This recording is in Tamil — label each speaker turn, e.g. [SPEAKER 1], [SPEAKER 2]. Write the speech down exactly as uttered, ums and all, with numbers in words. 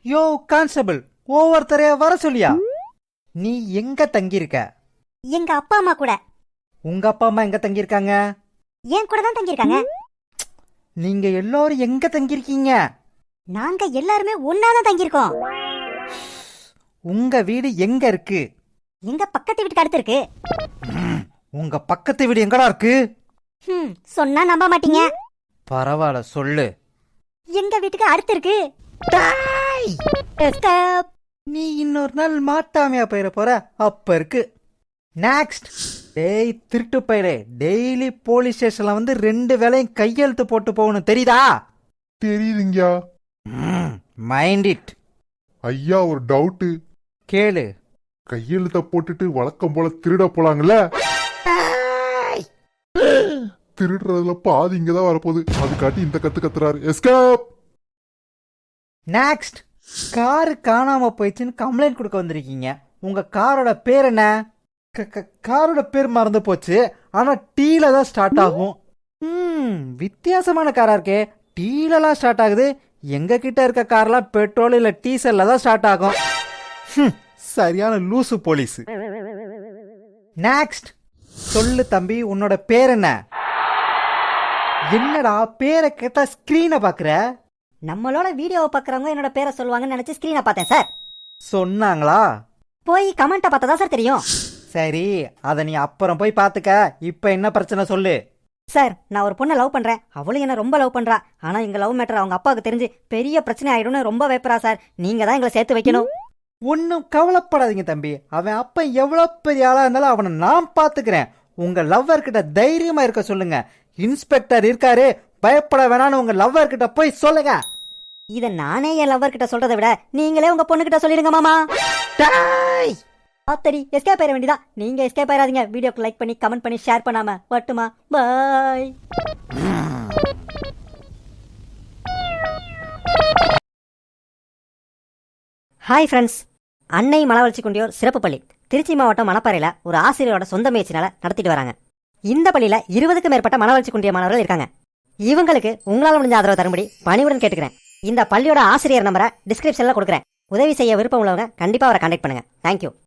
[SPEAKER 1] யோ கான்ஸ்டபிள், ஒவ்வொருத்தரைய வர சொல்லியா? நீ எங்க தங்கியிருக்க?
[SPEAKER 2] எங்க அப்பா அம்மா கூட.
[SPEAKER 1] உங்க அப்பா அம்மா எங்க தங்கியிருக்காங்க?
[SPEAKER 2] என் கூட தான் தங்கியிருக்காங்க.
[SPEAKER 1] நீங்க எல்லாரும் எங்க தங்கியிருக்கீங்க?
[SPEAKER 2] நாங்க எல்லாருமே ஒன்னாதான் தங்கியிருக்கோம்.
[SPEAKER 1] உங்க வீடு எங்க இருக்கு?
[SPEAKER 2] எங்க பக்கத்து வீட்டுக்கு அடுத்து இருக்கு.
[SPEAKER 1] உங்க பக்கத்து வீடு எங்கடா இருக்கு?
[SPEAKER 2] ம், சொன்னா நம்ப மாட்டீங்க.
[SPEAKER 1] பரவாயில்ல, சொல்லு.
[SPEAKER 2] எங்க வீட்டுக்கு அடுத்து இருக்கு. Escape.
[SPEAKER 1] நீ இன்னொரு நாள் மாட்டாமையா போயிட போற, அப்ப இருக்கு. நெக்ஸ்ட். டேய் திருட்டு பயிரே, டெய்லி போலீஸ் ஸ்டேஷன்ல வந்து ரெண்டு வேளையும் கையெழுத்து போட்டு போகணும், தெரியுதா?
[SPEAKER 3] தெரியுதுங்கயா.
[SPEAKER 1] Mind it.
[SPEAKER 3] ஐயா, ஒரு டவுட்டு.
[SPEAKER 1] கேளு.
[SPEAKER 3] கையெழுத்த போட்டுட்டு வழக்கம் போல திருட போலாங்கல்ல? திருடுறதுல பாதி இங்கதான் வரப்போகுது. அது காட்டி இந்த கத்து கத்துறாரு. எஸ்கேப்.
[SPEAKER 1] நெக்ஸ்ட். காரு காணாம போயிடுச்சுன்னு கம்ப்ளைண்ட் கொடுக்க வந்திருக்கீங்க. உங்க காரோட பேர் என்ன? காரோட பேர் மறந்து போச்சு, ஆனா டீல தான் ஸ்டார்ட் ஆகும். ம் வித்தியாசமான காரா இருக்கே, டீலலாம் ஸ்டார்ட் ஆகுது. எங்க கிட்ட இருக்க கார்லாம் பெட்ரோல் இல்ல டீசல்ல தான் ஸ்டார்ட் ஆகும். சரியான லூசு போலீஸ். நெக்ஸ்ட். சொல்லு தம்பி, உன்னோட பேர் என்ன? என்னடா பேரை கேட்டா ஸ்கிரீனை பாக்குற?
[SPEAKER 2] நம்மளோட வீடியோவை பாக்குறவங்க என்னோட பேரை சொல்லுவாங்கன்னு நினைச்சு ஸ்கிரீனை பார்த்தேன் சார்.
[SPEAKER 1] சொன்னாங்களா?
[SPEAKER 2] போய் கமெண்ட்டை பார்த்தா தான் சார் தெரியும்.
[SPEAKER 1] சரி, அத நீ அப்புறம் போய் பாத்துக்க. இப்ப என்ன பிரச்சனை சொல்லு.
[SPEAKER 2] சார், நான் ஒரு பொண்ணை லவ் பண்றேன். அவளும் என்ன ரொம்ப லவ் பண்றா. ஆனா எங்க லவ் மேட்டர் அவங்க அப்பாவுக்கு தெரிஞ்சு பெரிய பிரச்சனை ஆயிடும்னு ரொம்ப பயப்படுறா சார். நீங்க தான் எங்களை சேர்த்து வைக்கணும்.
[SPEAKER 1] ஒன்னும் கவலைப்படாதீங்க தம்பி. அவன் அப்ப எவ்வளவு பெரிய ஆளா இருந்தாலும் அவனை நான் பாத்துக்கிறேன். உங்க லவ்வர் கிட்ட தைரியமா இருக்க சொல்லுங்க. இன்ஸ்பெக்டர் இருக்காரு, பயப்பட வேணான்னு உங்க லவ்வர் கிட்ட போய் சொல்லுங்க.
[SPEAKER 2] இத நானே என் லவ்வர் கிட்ட சொல்றதை விட நீங்களே உங்க பொண்ணு கிட்ட சொல்லிடுங்க மாமா. ஆத்தடி, எஸ்கேப் ஆயிட வேண்டியதா. நீங்க எஸ்கேப் ஆயிராதீங்க. வீடியோக்கு லைக் பண்ணி கமெண்ட் பண்ணி ஷேர் பண்ணாம வட்டுமா. பாய். Hi friends. அன்னை மனவளர்ச்சி குண்டியோர் சிறப்பு பள்ளி திருச்சி மாவட்டம் மணப்பாறையில் ஒரு ஆசிரியரோட சொந்த முயற்சினால நடத்திட்டு வராங்க. இந்த பள்ளியில் இருபதுக்கும் மேற்பட்ட மனவளர்ச்சி குண்டிய மாணவர்கள் இருக்காங்க. இவங்களுக்கு உங்களால் முடிஞ்ச ஆதரவு தரும்படி பணிவுடன் கேட்டுக்கிறேன். இந்த பள்ளியோட ஆசிரியர் நம்பரை டிஸ்கிரிப்ஷனில் கொடுக்குறேன். உதவி செய்ய விருப்பம் உள்ளவங்க கண்டிப்பாக அவரை கான்டாக்ட் பண்ணுங்க. தேங்க்யூ.